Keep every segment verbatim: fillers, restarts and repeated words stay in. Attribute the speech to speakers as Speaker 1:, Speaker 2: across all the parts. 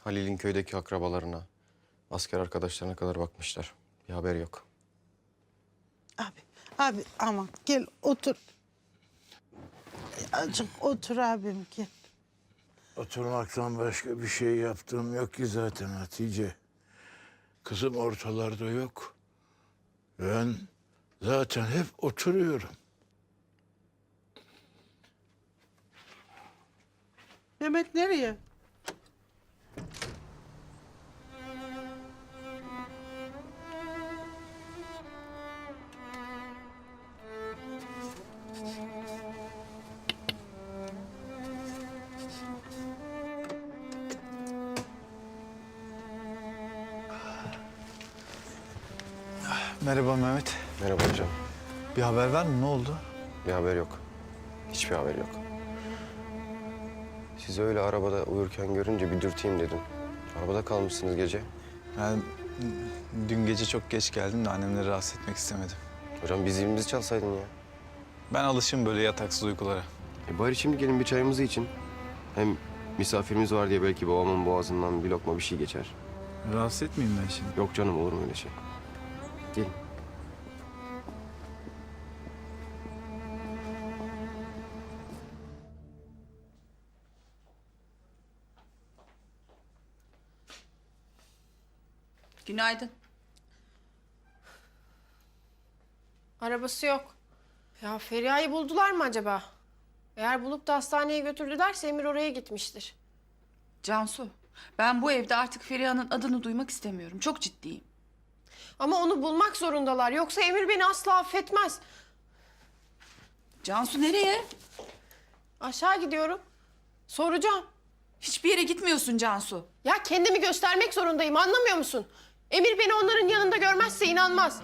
Speaker 1: Halil'in köydeki akrabalarına, asker arkadaşlarına kadar bakmışlar. Bir haber yok.
Speaker 2: Abi, abi aman gel otur. Azıcık otur abim gel.
Speaker 3: Oturmaktan başka bir şey yaptığım yok ki zaten Hatice. Kızım ortalarda yok. Ben zaten hep oturuyorum.
Speaker 2: Mehmet nereye?
Speaker 4: Merhaba Mehmet.
Speaker 1: Merhaba hocam.
Speaker 4: Bir haber var mı? Ne oldu?
Speaker 1: Bir haber yok. Hiçbir haber yok. Sizi öyle arabada uyurken görünce bir dürteyim dedim. Arabada kalmışsınız gece.
Speaker 4: Yani dün gece çok geç geldim de annemleri rahatsız etmek istemedim.
Speaker 1: Hocam bir zilimizi çalsaydın ya.
Speaker 4: Ben alışım böyle yataksız uykulara.
Speaker 1: E bari şimdi gelin bir çayımızı için. Hem misafirimiz var diye belki babamın boğazından bir lokma bir şey geçer.
Speaker 4: Rahatsız etmeyeyim ben şimdi.
Speaker 1: Yok canım, olur mu öyle şey? Gelin.
Speaker 5: Günaydın.
Speaker 6: Arabası yok. Ya Feriha'yı buldular mı acaba? Eğer bulup da hastaneye götürdülerse Emir oraya gitmiştir.
Speaker 5: Cansu, ben bu evde artık Feriha'nın adını duymak istemiyorum. Çok ciddiyim.
Speaker 6: Ama onu bulmak zorundalar. Yoksa Emir beni asla affetmez.
Speaker 5: Cansu nereye?
Speaker 6: Aşağı gidiyorum. Soracağım.
Speaker 5: Hiçbir yere gitmiyorsun Cansu.
Speaker 6: Ya kendimi göstermek zorundayım. Anlamıyor musun? Emir beni onların yanında görmezse inanmaz.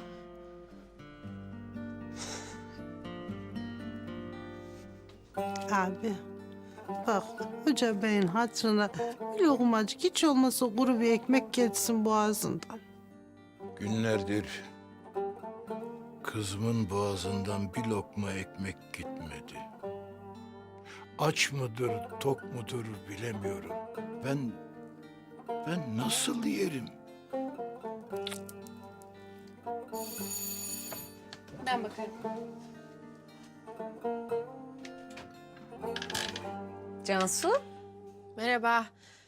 Speaker 2: Abi bak Hoca Bey'in hatırına bir lokmacık hiç olmasa kuru bir ekmek geçsin boğazından.
Speaker 3: Günlerdir kızımın boğazından bir lokma ekmek gitmedi. Aç mıdır, tok mudur bilemiyorum. Ben, ben nasıl yerim?
Speaker 6: Ben bakarım.
Speaker 7: Cansu?
Speaker 6: Merhaba.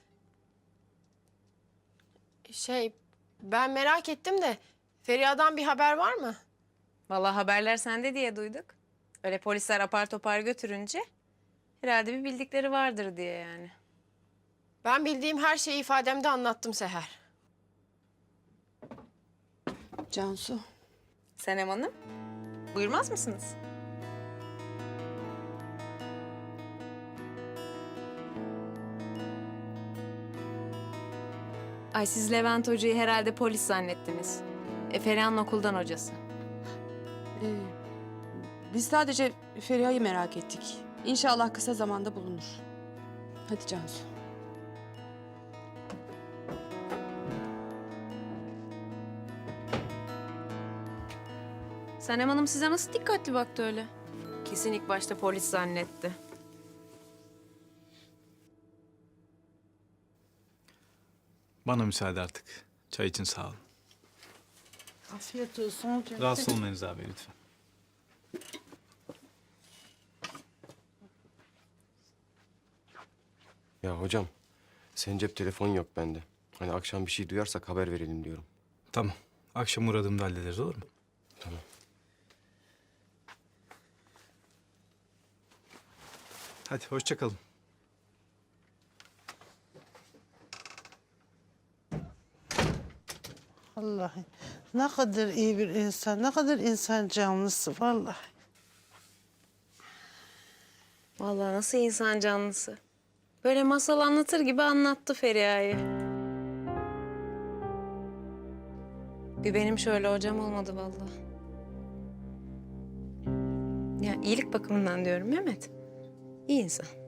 Speaker 6: Şey, ben merak ettim de Feriha'dan bir haber var mı?
Speaker 7: Vallahi haberler sende diye duyduk. Öyle polisler apar topar götürünce herhalde bir bildikleri vardır diye yani.
Speaker 6: Ben bildiğim her şeyi ifademde anlattım Seher.
Speaker 5: Cansu.
Speaker 7: Senem Hanım, buyurmaz mısınız? Ay siz Levent Hoca'yı herhalde polis zannettiniz. E, Feriha'nın okuldan hocası.
Speaker 8: Ee, biz sadece Feriha'yı merak ettik. İnşallah kısa zamanda bulunur. Hadi Cansu.
Speaker 7: Senem Hanım size nasıl dikkatli baktı öyle? Kesin ilk başta polis zannetti.
Speaker 4: Bana müsaade artık. Çay için sağ olun.
Speaker 2: Afiyet olsun hocam.
Speaker 4: Rahatsız olmayınız abi lütfen.
Speaker 1: Ya hocam, senin cep telefon yok bende. Hani akşam bir şey duyarsak haber verelim diyorum.
Speaker 4: Tamam. Akşam uğradığımda hallederiz, olur mu?
Speaker 1: Tamam.
Speaker 4: Hadi hoşça kalın.
Speaker 2: Vallahi ne kadar iyi bir insan, ne kadar insan canlısı vallahi.
Speaker 7: Vallahi nasıl insan canlısı. Böyle masal anlatır gibi anlattı Feriha'yı. Bir benim şöyle hocam olmadı vallahi. Ya iyilik bakımından diyorum Mehmet. İyi insan.